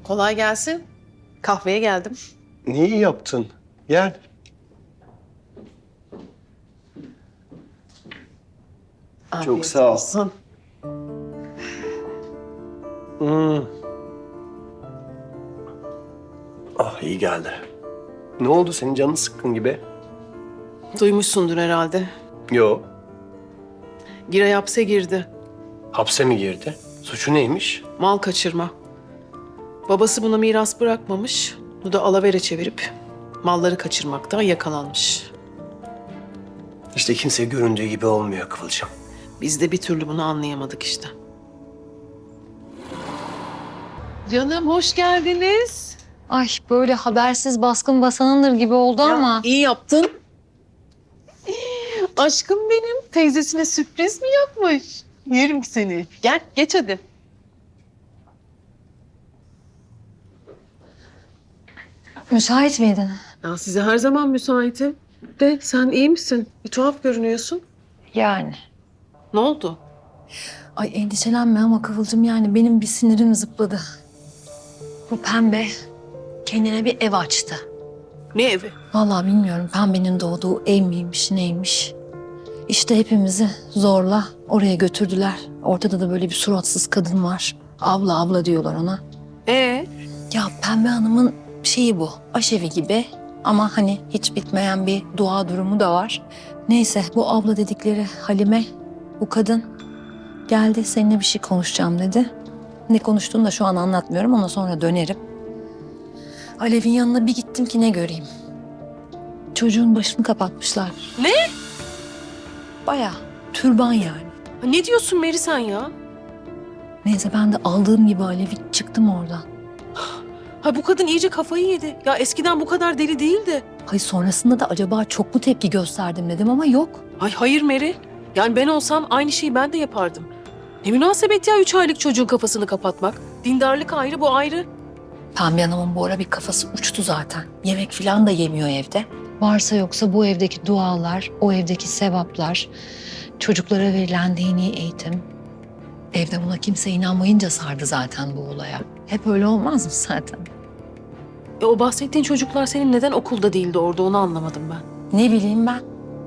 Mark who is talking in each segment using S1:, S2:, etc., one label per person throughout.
S1: Kolay gelsin. Kahveye geldim.
S2: Ne iyi yaptın. Gel. Çok sağ ol.
S1: Olsun.
S2: Ah iyi geldi. Ne oldu senin canın sıkkın gibi?
S1: Duymuşsundur herhalde.
S2: Yo.
S1: Giray hapse girdi.
S2: Hapse mi girdi? Suçu neymiş?
S1: Mal kaçırma. Babası buna miras bırakmamış. Bu da alavere çevirip malları kaçırmakta yakalanmış.
S2: İşte kimse göründüğü gibi olmuyor Kıvılcım.
S1: Biz de bir türlü bunu anlayamadık işte. Canım hoş geldiniz.
S3: Ay böyle habersiz baskın basanındır gibi oldu ama.
S1: İyi yaptın. Aşkım benim teyzesine sürpriz mi yapmış? Yerim seni. Gel geç hadi.
S3: Müsait miydin?
S1: Ya size her zaman müsaitim. De sen iyi misin? Bir tuhaf görünüyorsun.
S3: Yani.
S1: Ne oldu?
S3: Ay endişelenme ama Kıvılcım yani benim bir sinirim zıpladı. Bu pembe kendine bir ev açtı.
S1: Ne evi?
S3: Vallahi bilmiyorum pembenin doğduğu ev miymiş neymiş. İşte hepimizi zorla oraya götürdüler. Ortada da böyle bir suratsız kadın var. Abla abla diyorlar ona. Ya Pembe Hanım'ın şeyi bu. Aşevi gibi ama hani hiç bitmeyen bir dua durumu da var. Neyse bu abla dedikleri Halime, bu kadın geldi seninle bir şey konuşacağım dedi. Ne konuştuğunu da şu an anlatmıyorum, ona sonra dönerim. Alev'in yanına bir gittim ki ne göreyim. Çocuğun başını kapatmışlar.
S1: Ne?
S3: Bayağı türban yani.
S1: Ne diyorsun Meri sen ya?
S3: Neyse ben de aldığım gibi Alev'i çıktım oradan.
S1: Ha bu kadın iyice kafayı yedi. Ya eskiden bu kadar deli değildi.
S3: Hayır sonrasında da acaba çok mu tepki gösterdim dedim ama yok.
S1: Ay hayır Meri. Yani ben olsam aynı şeyi ben de yapardım. Ne münasebet ya 3 aylık çocuğun kafasını kapatmak. Dindarlık ayrı, bu ayrı.
S3: Pembe Hanım'ın bu ara bir kafası uçtu zaten. Yemek falan da yemiyor evde. Varsa yoksa bu evdeki dualar, o evdeki sevaplar, çocuklara verilen dini eğitim. Evde buna kimse inanmayınca sardı zaten bu olaya. Hep öyle olmaz mı zaten?
S1: O bahsettiğin çocuklar senin neden okulda değildi orada, onu anlamadım ben.
S3: Ne bileyim ben.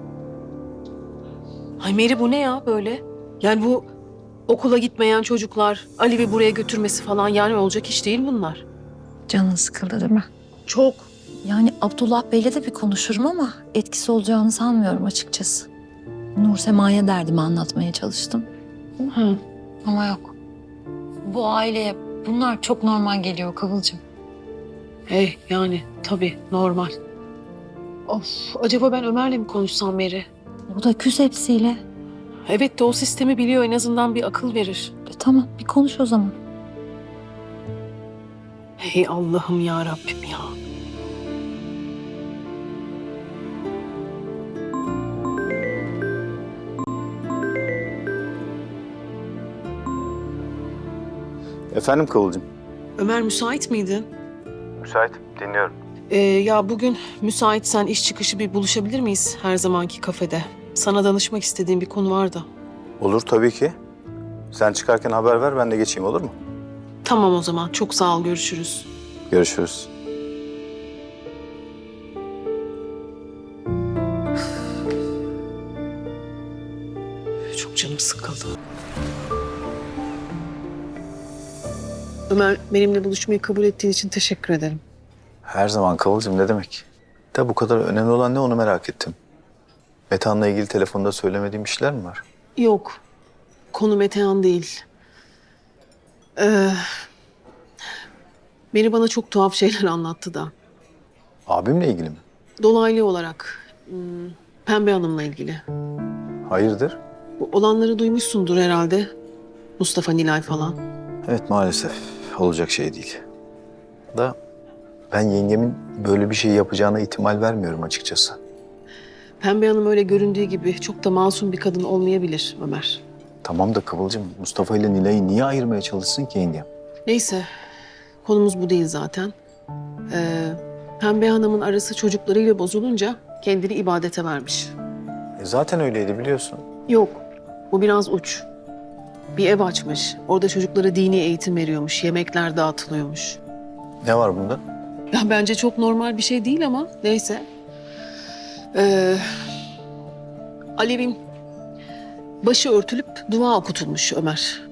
S1: Ay Meri bu ne ya böyle? Yani bu okula gitmeyen çocuklar, Alev'i buraya götürmesi falan, yani olacak iş değil bunlar.
S3: Canın sıkıldı değil mi?
S1: Çok.
S3: Yani Abdullah Bey'le de bir konuşurum ama etkisi olacağını sanmıyorum açıkçası. Nur Sema'ya derdimi anlatmaya çalıştım.
S1: Hı.
S3: Ama yok. Bu aileye bunlar çok normal geliyor Kıvılcım.
S1: Hey yani tabii normal. Of, acaba ben Ömer'le mi konuşsam Meri?
S3: O da küs hepsiyle.
S1: Evet de o sistemi biliyor, en azından bir akıl verir.
S3: Tamam bir konuş o zaman.
S1: Hey Allah'ım ya Rabbim ya.
S4: Efendim Kıvılcım?
S1: Ömer müsait miydin?
S4: Müsait, dinliyorum.
S1: Ya bugün müsaitsen iş çıkışı bir buluşabilir miyiz her zamanki kafede? Sana danışmak istediğim bir konu var da.
S4: Olur tabii ki. Sen çıkarken haber ver, ben de geçeyim, olur mu?
S1: Tamam o zaman, çok sağ ol, görüşürüz.
S4: Görüşürüz.
S1: Çok canım sıkıldı. Ömer, benimle buluşmayı kabul ettiğin için teşekkür ederim.
S4: Her zaman Kıvılcım, ne demek? Da bu kadar önemli olan ne, onu merak ettim. Metehan'la ilgili telefonda söylemediğim bir şeyler mi var?
S1: Yok, konu Metehan değil. Beni bana çok tuhaf şeyler anlattı da.
S4: Abimle ilgili mi?
S1: Dolaylı olarak Pembe Hanım'la ilgili.
S4: Hayırdır?
S1: Bu olanları duymuşsundur herhalde. Mustafa, Nilay falan.
S4: Evet, maalesef olacak şey değil. Da ben yengemin böyle bir şey yapacağına ihtimal vermiyorum açıkçası.
S1: Pembe Hanım öyle göründüğü gibi çok da masum bir kadın olmayabilir Ömer.
S4: Tamam da Kıvılcım, Mustafa ile Nilay'ı niye ayırmaya çalışsın ki yengem?
S1: Neyse, konumuz bu değil zaten. Pembe Hanım'ın arası çocuklarıyla bozulunca kendini ibadete vermiş.
S4: Zaten öyleydi biliyorsun.
S1: Yok, bu biraz uç. Bir ev açmış, orada çocuklara dini eğitim veriyormuş, yemekler dağıtılıyormuş.
S4: Ne var bunda?
S1: Ya bence çok normal bir şey değil ama neyse. Alev'in başı örtülüp dua okutulmuş Ömer.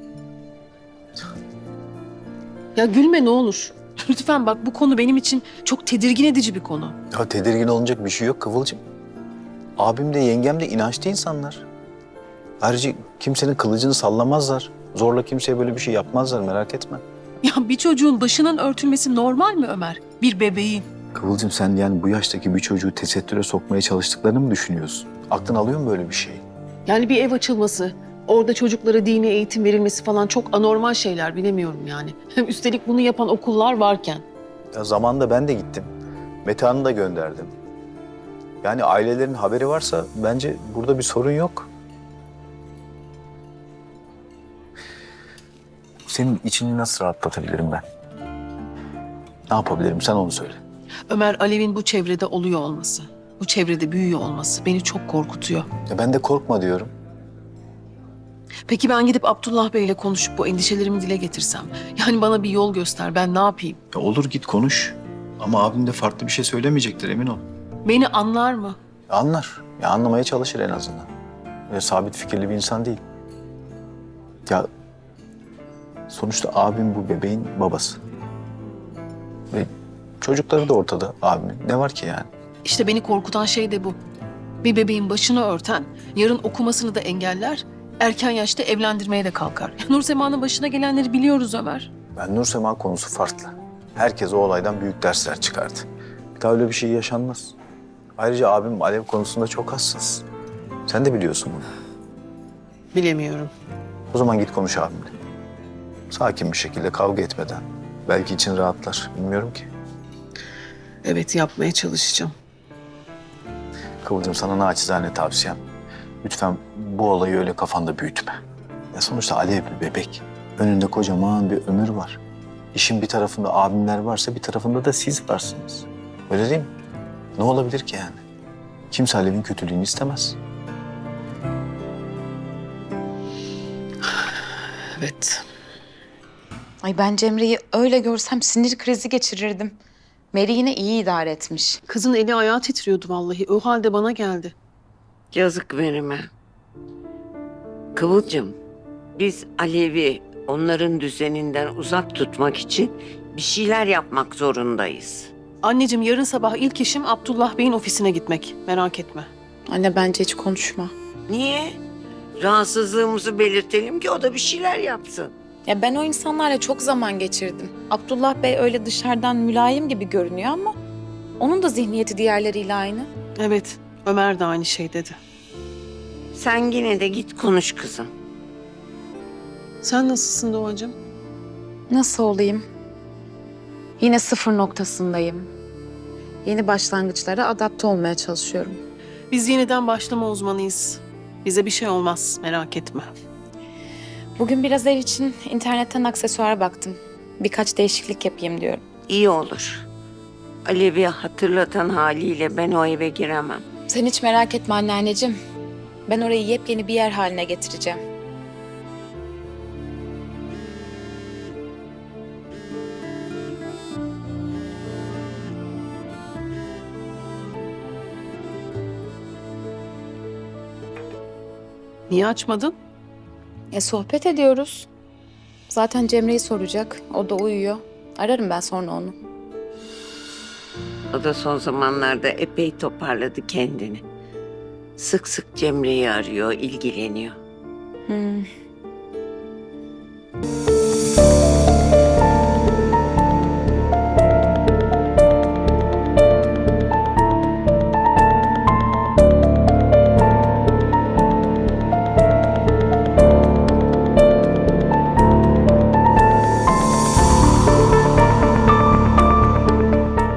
S1: Ya gülme ne olur. Lütfen bak, bu konu benim için çok tedirgin edici bir konu.
S4: Ya tedirgin olunacak bir şey yok Kıvılcım. Abim de yengem de inançlı insanlar. Ayrıca kimsenin kılıcını sallamazlar. Zorla kimseye böyle bir şey yapmazlar, merak etme.
S1: Ya bir çocuğun başının örtülmesi normal mi Ömer? Bir bebeğin.
S4: Kıvılcım sen yani bu yaştaki bir çocuğu tesettüre sokmaya çalıştıklarını mı düşünüyorsun? Aklın alıyor mu böyle bir şeyi?
S1: Yani bir ev açılması, orada çocuklara dini eğitim verilmesi falan çok anormal şeyler, bilemiyorum yani. Hem üstelik bunu yapan okullar varken.
S4: Ya zamanında ben de gittim. Metehan'ı da gönderdim. Yani ailelerin haberi varsa bence burada bir sorun yok. Senin içini nasıl rahatlatabilirim ben? Ne yapabilirim? Sen onu söyle.
S1: Ömer, Alev'in bu çevrede oluyor olması, bu çevrede büyüyor olması beni çok korkutuyor.
S4: Ya ben de korkma diyorum.
S1: Peki ben gidip Abdullah Bey'le konuşup bu endişelerimi dile getirsem? Yani bana bir yol göster, ben ne yapayım?
S4: Ya olur git konuş. Ama abim de farklı bir şey söylemeyecektir, emin ol.
S1: Beni anlar mı?
S4: Ya anlar. Ya anlamaya çalışır en azından. Öyle sabit fikirli bir insan değil. Ya sonuçta abim bu bebeğin babası. Ve çocukları da ortada abimin. Ne var ki yani?
S1: İşte beni korkutan şey de bu. Bir bebeğin başını örten, yarın okumasını da engeller, erken yaşta evlendirmeye de kalkar. Nursema'nın başına gelenleri biliyoruz Ömer.
S4: Ben Nursema konusu farklı. Herkes o olaydan büyük dersler çıkardı. Bir daha öyle bir şey yaşanmaz. Ayrıca abim Alev konusunda çok hassas. Sen de biliyorsun bunu.
S1: Bilemiyorum.
S4: O zaman git konuş abimle. Sakin bir şekilde, kavga etmeden. Belki için rahatlar. Bilmiyorum ki.
S1: Evet, yapmaya çalışacağım.
S4: Kıvılcım sana naçizane tavsiyem. Lütfen bu olayı öyle kafanda büyütme. Ya sonuçta Alev bir bebek. Önünde kocaman bir ömür var. İşin bir tarafında abimler varsa bir tarafında da siz varsınız. Öyle değil mi? Ne olabilir ki yani? Kimse Alev'in kötülüğünü istemez.
S1: Evet.
S5: Ay ben Cemre'yi öyle görsem sinir krizi geçirirdim. Meri yine iyi idare etmiş.
S1: Kızın eli ayağı titriyordu vallahi. O halde bana geldi.
S6: Yazık verime. Kıvılcım, biz Alev'i onların düzeninden uzak tutmak için bir şeyler yapmak zorundayız.
S1: Anneciğim, yarın sabah ilk işim Abdullah Bey'in ofisine gitmek. Merak etme.
S5: Anne bence hiç konuşma.
S6: Niye? Rahatsızlığımızı belirtelim ki o da bir şeyler yapsın.
S5: Ya ben o insanlarla çok zaman geçirdim. Abdullah Bey öyle dışarıdan mülayim gibi görünüyor ama onun da zihniyeti diğerleriyle aynı.
S1: Evet, Ömer de aynı şey dedi.
S6: Sen yine de git konuş kızım.
S1: Sen nasılsın Doğacığım?
S5: Nasıl olayım? Yine sıfır noktasındayım. Yeni başlangıçlara adapte olmaya çalışıyorum.
S1: Biz yeniden başlama uzmanıyız. Bize bir şey olmaz, merak etme.
S5: Bugün biraz ev için internetten aksesuara baktım. Birkaç değişiklik yapayım diyorum.
S6: İyi olur. Alev'i hatırlatan haliyle ben o eve giremem.
S5: Sen hiç merak etme anneanneciğim. Ben orayı yepyeni bir yer haline getireceğim.
S1: Niye açmadın?
S5: Sohbet ediyoruz. Zaten Cemre'yi soracak. O da uyuyor. Ararım ben sonra onu.
S6: O da son zamanlarda epey toparladı kendini. Sık sık Cemre'yi arıyor, ilgileniyor.